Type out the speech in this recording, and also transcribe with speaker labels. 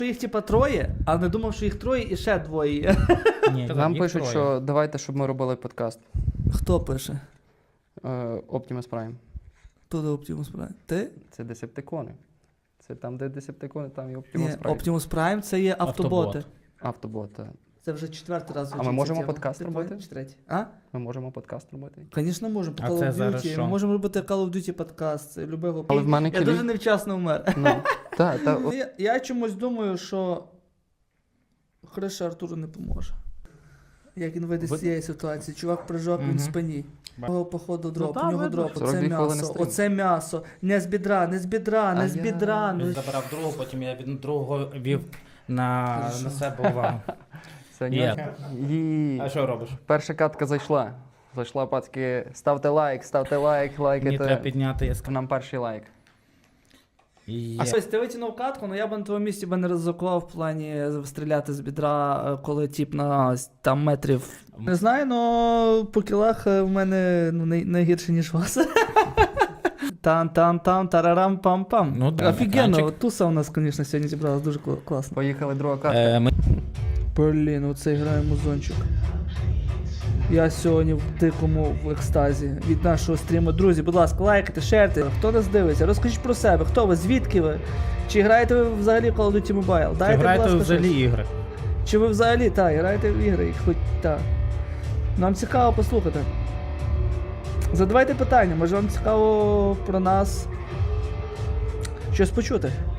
Speaker 1: їх типа троє, а не думав, що їх троє і ще двоє є.
Speaker 2: Ні,
Speaker 3: Нам
Speaker 2: їх
Speaker 3: пишуть,
Speaker 2: троє.
Speaker 3: що давайте, щоб ми робили подкаст.
Speaker 1: Хто пише?
Speaker 3: Optimus Prime.
Speaker 1: Хто до Optimus Prime? Ти?
Speaker 3: Це Десептикони. Це там, де Десептикони, там і
Speaker 1: Ні,
Speaker 3: Optimus Prime.
Speaker 1: Optimus Prime це є автоботи.
Speaker 2: Автобот.
Speaker 3: Автобот, так.
Speaker 1: Це вже четвертий раз.
Speaker 3: А ми
Speaker 1: звучить
Speaker 3: можемо
Speaker 1: ця тема.
Speaker 3: подкаст
Speaker 1: Ти
Speaker 3: робити?
Speaker 1: твій чи третій? А?
Speaker 3: Ми можемо подкаст робити.
Speaker 1: Звісно, можемо. По
Speaker 2: А
Speaker 1: Call
Speaker 2: це
Speaker 1: of
Speaker 2: зараз
Speaker 1: Duty.
Speaker 2: що?
Speaker 1: Ми можемо робити Call of Duty подкаст. Це любого.
Speaker 3: Але в мене
Speaker 1: Я
Speaker 3: кілі-
Speaker 1: дуже невчасно вмер.
Speaker 3: Ну, так, так.
Speaker 1: Я чомусь думаю, що Хриша Артуру не поможе. Як він вийде з цієї ситуації. Чувак прижав, він в спині. Його походу дроп,
Speaker 2: та,
Speaker 1: у нього
Speaker 2: видно.
Speaker 1: дроп,
Speaker 3: 42
Speaker 1: оце
Speaker 3: хвилини
Speaker 1: м'ясо,
Speaker 3: стрім.
Speaker 1: оце м'ясо. Не з бідра, не з бідра, не з
Speaker 3: А
Speaker 1: бідра.
Speaker 2: Він
Speaker 1: Ну,
Speaker 2: забрав другого, потім я від другого вів на себе увагу.
Speaker 3: Це
Speaker 2: Є.
Speaker 3: ні.
Speaker 2: А що робиш?
Speaker 3: Перша катка зайшла. Зайшла, пацки. Ставте лайк,
Speaker 2: Мені треба
Speaker 3: лайкайте.
Speaker 2: підняти, я
Speaker 3: Нам перший лайк.
Speaker 1: А ось ти витягнув катку, але я б на твоєму місці не ризикував в плані стріляти з бідра, коли тіп на там метрів. Не знаю, але по кілах в мене найгірше, ніж у вас. Там, тарарам, пам-пам.
Speaker 2: Ну да,
Speaker 1: Офігенно,
Speaker 2: екранчик.
Speaker 1: туса у нас, звісно, сьогодні зібралась дуже класно.
Speaker 3: Поїхали, друга катка.
Speaker 2: Ми...
Speaker 1: Блін, оце грає музончик. Я сьогодні в дикому в екстазі від нашого стріму. Друзі, будь ласка, лайкайте, шерте. Хто нас дивиться? Розкажіть про себе. Хто ви? Звідки ви? Чи граєте ви взагалі в Call of Duty Mobile?
Speaker 2: Чи
Speaker 1: Дайте,
Speaker 2: граєте
Speaker 1: будь ласка,
Speaker 2: взагалі
Speaker 1: щось.
Speaker 2: ігри?
Speaker 1: Чи ви взагалі, так, граєте в ігри? Хоч так. Нам цікаво послухати. Задавайте питання, може вам цікаво про нас щось почути.